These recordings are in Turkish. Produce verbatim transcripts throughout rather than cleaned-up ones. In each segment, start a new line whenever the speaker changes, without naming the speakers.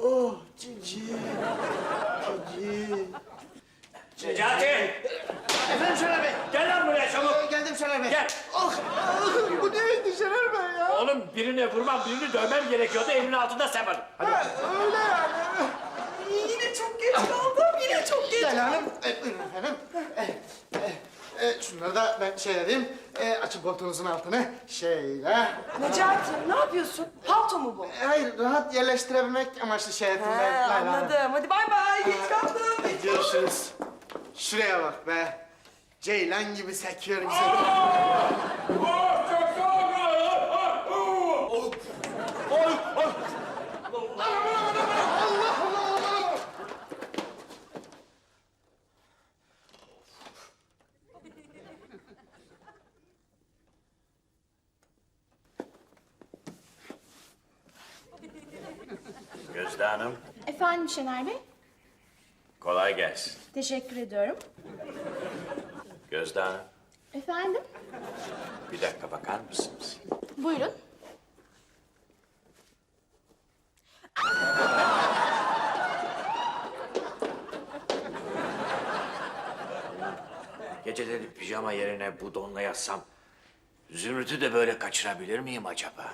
Oh cici. Cici.
Necati!
Efendim Şener Bey.
Gel lan buraya çabuk!
Ee, geldim Şener Bey.
Gel!
Ah, ah, bu neydi Şener Bey ya?
Oğlum birine vurmam, birini dövmem gerekiyordu. Elimin altında sen vardın. Hadi.
Ha, öyle yani.
Yine çok geç kaldım, yine çok geç.
Gel hanım. E, buyurun efendim. E, e, e, şunları da ben şey edeyim. E, açın koltuğunuzun altını. Şeyle.
Necati, ne yapıyorsun? Palto mu bu?
E, hayır, rahat yerleştirebilmek amaçlı şey ettim
He,
ben. Layla Hanım.
anladım. Hadi bay bay, geç kaldım.
Görüşürüz. Şuraya bak be. Ceylan gibi sekiyorum seni.
Oh, çok soğuk!
Oy, oy. Allah Allah!
Gözde Hanım,
Efendim Şener Bey,
kolay gelsin.
teşekkür ediyorum.
Gözde Hanım,
Efendim,
bir dakika bakar mısınız?
buyurun.
Geceleri pijama yerine bu donla yatsam... Zümrüt'ü de böyle kaçırabilir miyim acaba?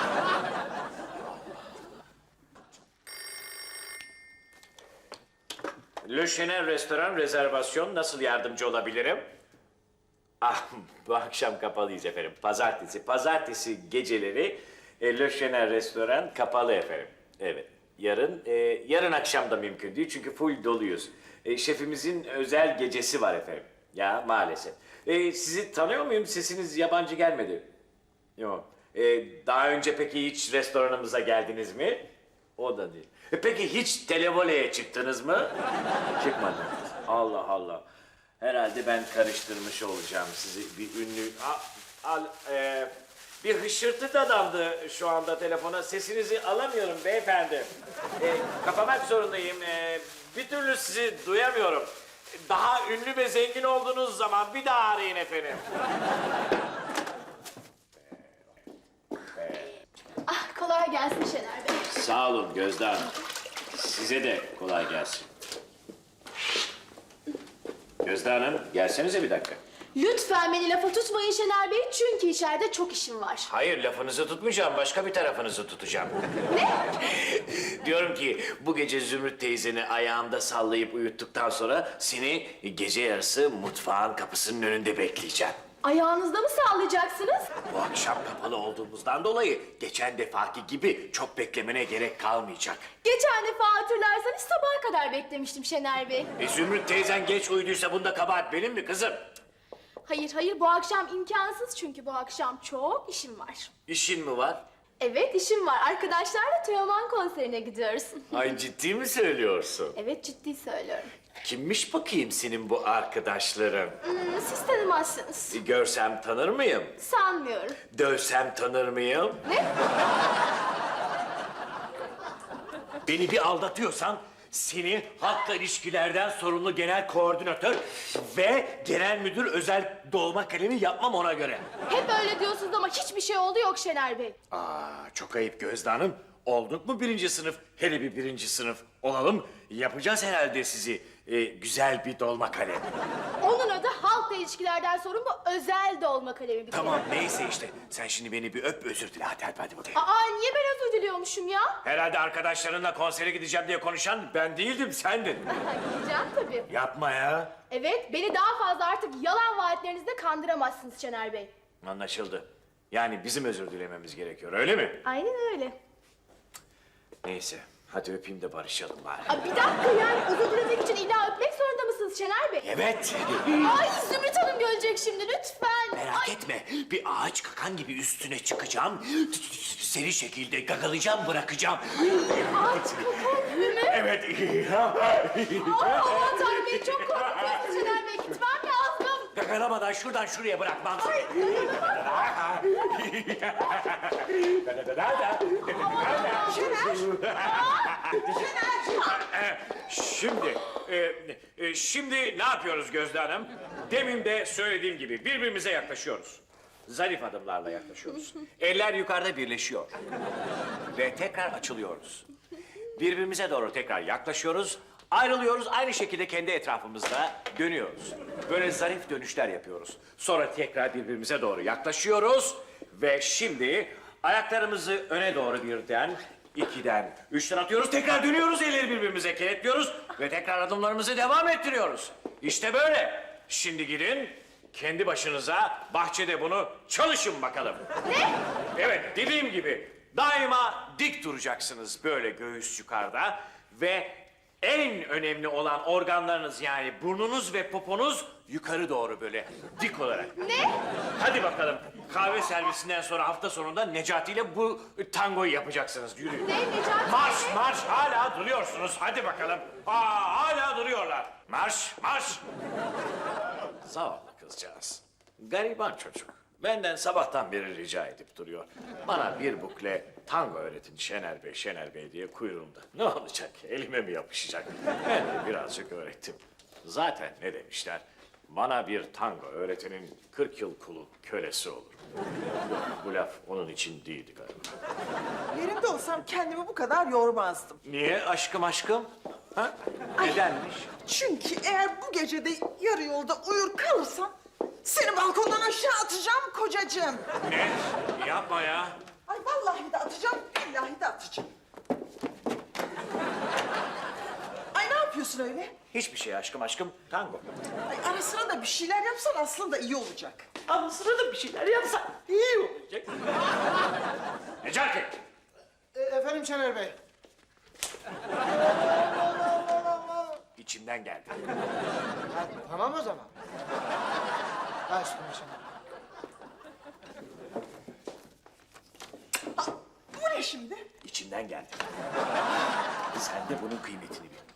Le Chenin Restoran rezervasyon, nasıl yardımcı olabilirim? Ah, bu akşam kapalıyız efendim. Pazartesi, pazartesi geceleri e, Le Chenin Restoran kapalı efendim. Evet, yarın, e, yarın akşam da mümkün değil çünkü full doluyuz. E, şefimizin özel gecesi var efendim. Ya maalesef. E, sizi tanıyor muyum? Sesiniz yabancı gelmedi. Yok. E, daha önce peki hiç restoranımıza geldiniz mi? O da değil. E, peki hiç televoleye çıktınız mı? Çıkmadınız. Allah Allah. Herhalde ben karıştırmış olacağım sizi bir ünlü... Al, al, e, bir hışırtı dadandı şu anda telefona. Sesinizi alamıyorum beyefendi. E, kapamak zorundayım. E, bir türlü sizi duyamıyorum. Daha ünlü ve zengin olduğunuz zaman bir daha arayın efendim.
Ah, kolay gelsin Şener Bey.
Sağ olun Gözde Hanım. Size de kolay gelsin. Gözde Hanım, gelsenize bir dakika.
Lütfen beni lafa tutmayın Şener Bey, çünkü içeride çok işim var.
Hayır, lafınızı tutmayacağım, başka bir tarafınızı tutacağım. Ne? Diyorum ki, bu gece Zümrüt teyzeni ayağımda sallayıp uyuttuktan sonra... ...seni gece yarısı mutfağın kapısının önünde bekleyeceğim.
Ayağınızda mı sallayacaksınız?
Bu akşam kapalı olduğumuzdan dolayı... ...geçen defaki gibi çok beklemene gerek kalmayacak.
Geçen defa hatırlarsanız sabaha kadar beklemiştim Şener Bey.
E, Zümrüt teyzen geç uyuduysa bunda kabahat benim mi kızım?
Hayır hayır, bu akşam imkansız çünkü bu akşam çok işim var.
İşin mi var?
Evet, işim var. Arkadaşlarla Teoman konserine gidiyoruz.
Ay ciddi mi söylüyorsun?
Evet, ciddi söylüyorum.
Kimmiş bakayım senin bu arkadaşların?
Hmm, siz tanımazsınız.
E, Görsem tanır mıyım?
Sanmıyorum.
Dövsem tanır mıyım?
Ne?
Beni bir aldatıyorsan seni halkla ilişkilerden sorumlu genel koordinatör ve genel müdür özel dolma kalemi yapmam ona göre.
Hep öyle diyorsunuz ama hiçbir şey oldu yok Şener Bey.
Aa, çok ayıp Gözde Hanım. Olduk mu birinci sınıf? Hele bir birinci sınıf olalım. Yapacağız herhalde sizi e, güzel bir dolma kalem.
Onun adı halkla ilişkilerden sorumlu özel dolma kalemi bir kere.
Tamam neyse işte. Sen şimdi beni bir öp özür dile. Hadi hadi hadi bakayım.
Aa, niye ben özür diliyormuşum ya?
Herhalde arkadaşlarınla konsere gideceğim diye konuşan ben değildim, sendin.
Gideceğim tabii.
Yapma ya.
Evet, beni daha fazla artık yalan vaatlerinizle kandıramazsınız Şener Bey.
Anlaşıldı. Yani bizim özür dilememiz gerekiyor, öyle mi?
Aynen öyle.
Neyse, hadi öpeyim de barışalım bari.
Aa, bir dakika, yani özür dilemek için illa öpmek zorunda mısınız Şener Bey?
Evet.
Ay, Zümrüt Hanım görecek şimdi, lütfen.
Merak
Ay,
etme, bir ağaç kakan gibi üstüne çıkacağım. Seri şekilde gagalayacağım, bırakacağım.
ağaç kakan gibi mi?
Evet.
Aa, aman Tanrım Bey, çok korkutuyorsunuz Şener Bey. Gitmem lazım.
Gagalamadan şuradan şuraya bırakmam.
Ay,
Şimdi, e, e, şimdi ne yapıyoruz Gözde Hanım? Demin de söylediğim gibi birbirimize yaklaşıyoruz. Zarif adımlarla yaklaşıyoruz. Eller yukarıda birleşiyor. Ve tekrar açılıyoruz. Birbirimize doğru tekrar yaklaşıyoruz. Ayrılıyoruz, aynı şekilde kendi etrafımızda dönüyoruz. Böyle zarif dönüşler yapıyoruz. Sonra tekrar birbirimize doğru yaklaşıyoruz. Ve şimdi ayaklarımızı öne doğru birden, ikiden, üçten atıyoruz. Tekrar dönüyoruz, elleri birbirimize kenetliyoruz. Ve tekrar adımlarımızı devam ettiriyoruz. İşte böyle. Şimdi gidin, kendi başınıza bahçede bunu çalışın bakalım.
Ne?
Evet, dediğim gibi daima dik duracaksınız böyle göğüs yukarıda ve en önemli olan organlarınız yani burnunuz ve poponuz yukarı doğru böyle dik olarak.
Ne?
Hadi bakalım kahve servisinden sonra hafta sonunda Necati ile bu tangoyu yapacaksınız. Yürüyün.
Ne Necati?
Marş marş hala duruyorsunuz. Hadi bakalım. Aa, hala duruyorlar. Marş marş. Zavallı kızcağız. Gariban çocuk. Benden sabahtan beri rica edip duruyor. Bana bir bukle tango öğretin Şener Bey, Şener Bey diye kuyruğumda. Ne olacak? Elime mi yapışacak? Ben de birazcık öğrettim. Zaten ne demişler? Bana bir tango öğretenin kırk yıl kulu kölesi olur. Yok, bu laf onun için değildi galiba.
Yerimde olsam kendimi bu kadar yormazdım.
Niye aşkım aşkım? Ha? Nedenmiş?
Çünkü eğer bu gece de yarı yolda uyur kalırsam seni balkondan aşağı atacağım kocacığım.
Ne? Yapma ya.
Ay vallahi de atacağım, billahi de atacağım. Ay ne yapıyorsun öyle?
Hiçbir şey aşkım aşkım. Tango.
Ay ara sıra da bir şeyler yapsan aslında iyi olacak.
Ama sırada bir şeyler yapsan iyi olacak. Necati!
E, efendim Şener Bey.
İçimden geldi.
Ha, tamam o zaman. Ha üstüne Şener.
Bu ne şimdi?
İçimden geldi. Sen de bunun kıymetini bil.